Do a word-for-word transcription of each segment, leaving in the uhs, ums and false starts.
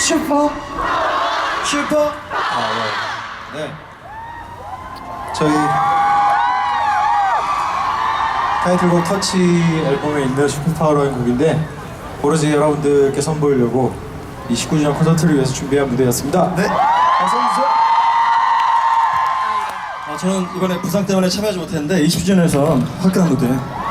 슈퍼 슈퍼 아, 네. 네. 저희 타이틀곡 터치 앨범에 있는 슈퍼파워라는 곡인데 오로지 여러분들께 선보이려고 이 십구 주년 콘서트를 위해서 준비한 무대였습니다. 네. 어서오세요. 아, 저는 이번에 부상 때문에 참여하지 못했는데 이십 주년에서 화끈한 무대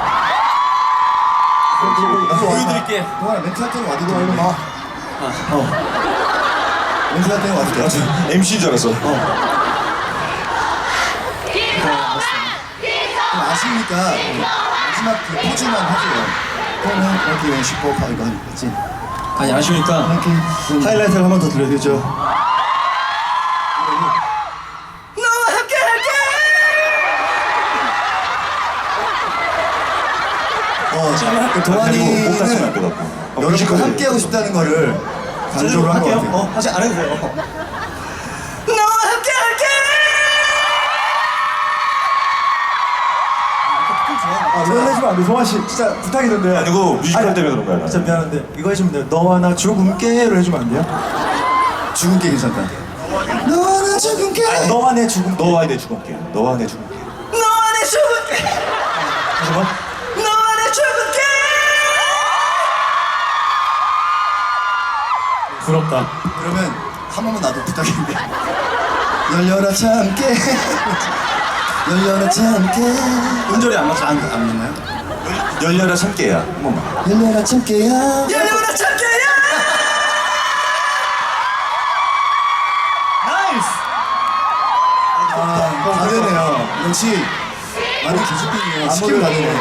보여드릴게. 동아야 멘트 할 때는 와도 돼. 일로 와. 어. 멘트 할 때는 와도 돼. 엠씨인 줄 알았어. 그럼 아시니까 마지막 그 포즈만 해줘요. 그러면 이렇게 왜 슈퍼파 이거 하지? 아니 아쉬우니까 이렇게 하이라이트를 한 번 더 들려드리죠. 너와 함께 할게. 어, 그 동환이는 목 다치면 안 되겠고. 여러분과 함께 하고 싶다는 거를 강조를 한 것 할게요. 같아요. 어, 하지 안 해도 돼요. 너와 함께 할게. 아, 이거 해주면 안 돼. 송환 씨 진짜 부탁이던데요. 아니고 뮤지컬 아니, 때문에 그런 거야. 진짜 미안한데 이거 해주면 돼요. 너와 나 죽음께로 해주면 안 돼요? 죽은 게 괜찮다. 너와 나 죽은 게. 너와 내 죽음께. 너와 내 죽음께. 너와 내 죽음께. 너와 내 죽은 게. 잠깐만. 너와 내 죽은 게. 부럽다. 그러면 한 번만 나도 부탁인데. 열려라 참깨. 열려라 참깨. 음절이 안 맞죠? 안, 안 믿나요? 열려라 참깨야. 한 번만. 열려라 참깨야. 열려라 참깨야. 나이스! 아, 다 되네요. 역시 완전 기술병이에요. 스킬 다 되네.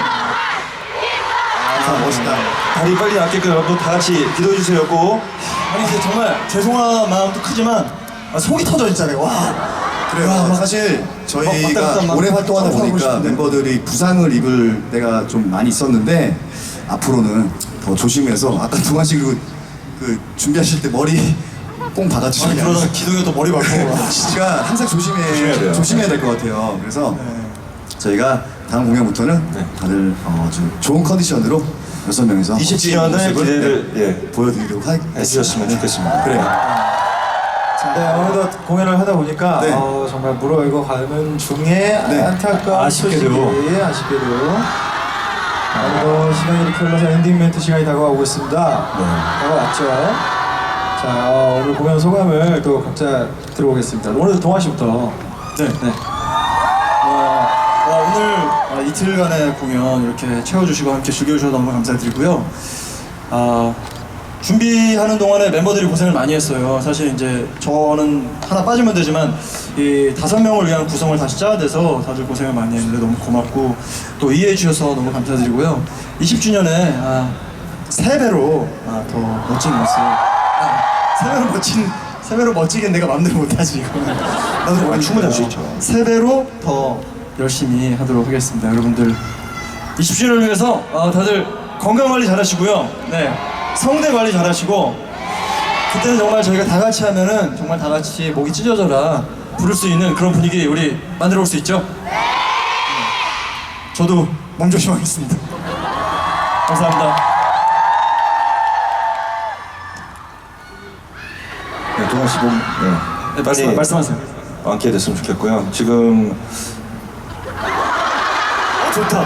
아, 멋있다. 다리 빨리 낫게끔 여러분 다 같이 기도해 주세요. 꼭. 아니 근데 정말 죄송한 마음도 크지만 아, 속이 터져 진짜. 와. 그래요. 와, 막- 사실 막 왔다 저희가 갔다 막 오래 활동하다 점프하고 보니까 싶은데. 멤버들이 부상을 입을 때가 좀 많이 있었는데 앞으로는 더 조심해서 아까 동환 씨 그, 그 준비하실 때 머리 뽕 아니 박아주시면 그러다가 기둥에 또 머리 박고. 진짜 항상 조심해, 조심해야 돼요. 조심해야 될 것 같아요. 그래서 네. 저희가 다음 공연부터는 네. 다들 어, 좀 좋은 컨디션으로 여섯 명이서 이십 주년을 모습을, 기대를 네, 예, 보여드리도록 하, 해주셨으면 좋겠습니다. 그래요. 네, 어느덧 공연을 하다 보니까 네. 어, 정말 무르익어 가는 중에 네. 안타까운 아쉽게도. 소식이 아쉽게도 어느덧 시간이 이렇게 흘러서 엔딩 멘트 시간이 다가오고 있습니다. 다가왔죠. 자, 어, 오늘 공연 소감을 또 각자 들어보겠습니다. 오늘 동환 씨부터. 네. 네. 와, 와, 오늘 아, 이틀간의 공연 이렇게 채워주시고 함께 즐겨주셔서 너무 감사드리고요. 아, 준비하는 동안에 멤버들이 고생을 많이 했어요. 사실 이제 저는 하나 빠지면 되지만 이 다섯 명을 위한 구성을 다시 짜야 돼서 다들 고생을 많이 했는데 너무 고맙고 또 이해해 주셔서 너무 감사드리고요. 이십 주년에 아, 세 배로 아, 더 멋진 모습. 아, 세 배로 멋진 세 배로 멋지게 내가 맘대로 못하지 이거는. 나도 아, 충분히 할 수 있죠. 세 배로 더 열심히 하도록 하겠습니다. 여러분들 이십 주년을 위해서 어, 다들 건강 관리 잘하시고요. 네, 성대 관리 잘하시고 그때는 정말 저희가 다 같이 하면은 정말 다 같이 목이 찢어져라 부를 수 있는 그런 분위기 우리 만들어 올 수 있죠? 네. 저도 몸조심하겠습니다. 감사합니다. 네, 동환 씨 몸, 네. 네, 말씀, 말씀하세요. 많게 됐으면 좋겠고요. 지금 좋다.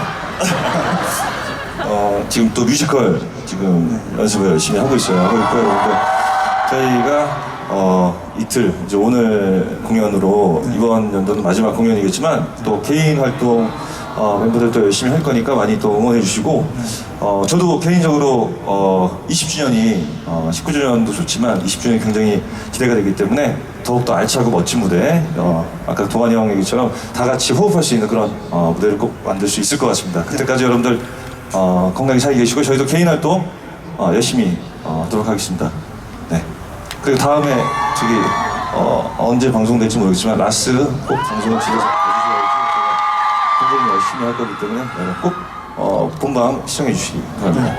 어, 지금 또 뮤지컬 지금 연습을 열심히 하고 있어요. 하고 있고요, 여러분들. 저희가 어, 이틀 이제 오늘 공연으로 이번 연도는 마지막 공연이겠지만 또 개인 활동 어, 멤버들도 열심히 할 거니까 많이 또 응원해 주시고 어, 저도 개인적으로 어, 이십 주년이 어, 십구 주년도 좋지만 이십 주년이 굉장히 기대가 되기 때문에 더욱더 알차고 멋진 무대 어, 아까 동환이 형 얘기처럼 다 같이 호흡할 수 있는 그런 어, 무대를 꼭 만들 수 있을 것 같습니다. 그때까지 여러분들 어, 건강히 잘 계시고 저희도 개인 활동 어, 열심히 어, 하도록 하겠습니다. 네. 그리고 다음에 저기 어, 언제 방송될지 모르겠지만 라스 꼭 방송을 집에서 봐주셔야지 제가 굉장히 열심히 할 거기 때문에 네, 꼭 어, 본방 시청해 주시기 바랍니다.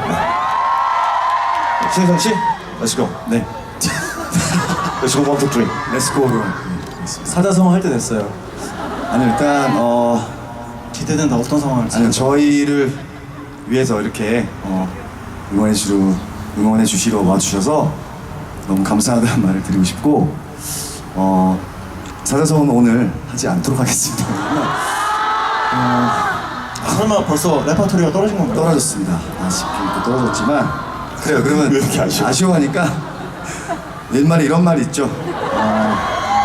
네. 신성 씨, 렛츠고. 네, 렛츠고 원, 투, 쓰리. 렛츠고로. 사자성어 할 때 됐어요. 아니 일단 어 기대된다. 어떤 상황을 아니 저희를 위해서 이렇게 어, 응원해 주시러 응원해 주시러 와주셔서 너무 감사하다는 말을 드리고 싶고 어, 사자성어는 오늘 하지 않도록 하겠습니다. 아, 설마 벌써 레퍼토리가 떨어진 건가요? 떨어졌습니다. 아쉽게 또 떨어졌지만 그래요. 그러면 왜 이렇게 아쉬워? 아쉬워하니까 옛말에 이런 말이 있죠. 어,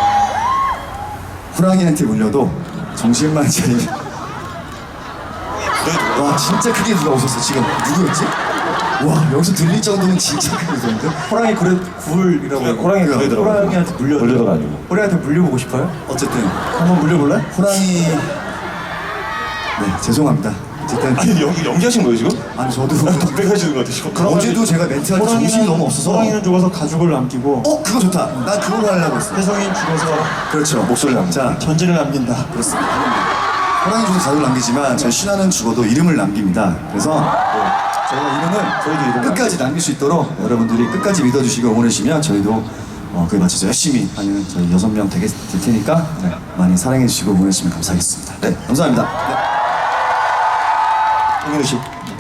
호랑이한테 물려도 정신만 차리면 와 진짜 크게 누가 웃었어 지금. 누구였지? 와 여기서 들릴 정도면 진짜 크게 웃었는데? 호랑이 그래 굴이라고. 네, 호랑이 굴이더라고요. 호랑이한테 물려. 물려도가 아니고. 호랑이한테 물려보고 싶어요? 어쨌든 한번 물려볼래? 호랑이 네 죄송합니다. 어쨌든 아니 연기 연기하신 거예요 지금? 아니 저도 덕백하시는 것 같아요. 그럼 어제도 제가 멘트할 때 정신이 너무 없어서 호랑이는 죽어서 가죽을 남기고 어 그거 좋다. 난 그걸로 하려고 했어. 혜성이는 죽어서 그렇죠. 목소리 남겨. 자 전지를 남긴다. 그렇습니다. 호랑이 죽어서 가족을 남기지만 저희 신화는 죽어도 이름을 남깁니다. 그래서 저희가 이름을 저희도 이름을 끝까지 남길 수 있도록 여러분들이 끝까지 믿어주시고 응원해주시면 저희도 어, 그에 맞춰서 열심히 하는 저희 여섯 명 되게 될 테니까 네, 많이 사랑해주시고 응원해주시면 감사하겠습니다. 네, 감사합니다. 네. 홍윤우 씨.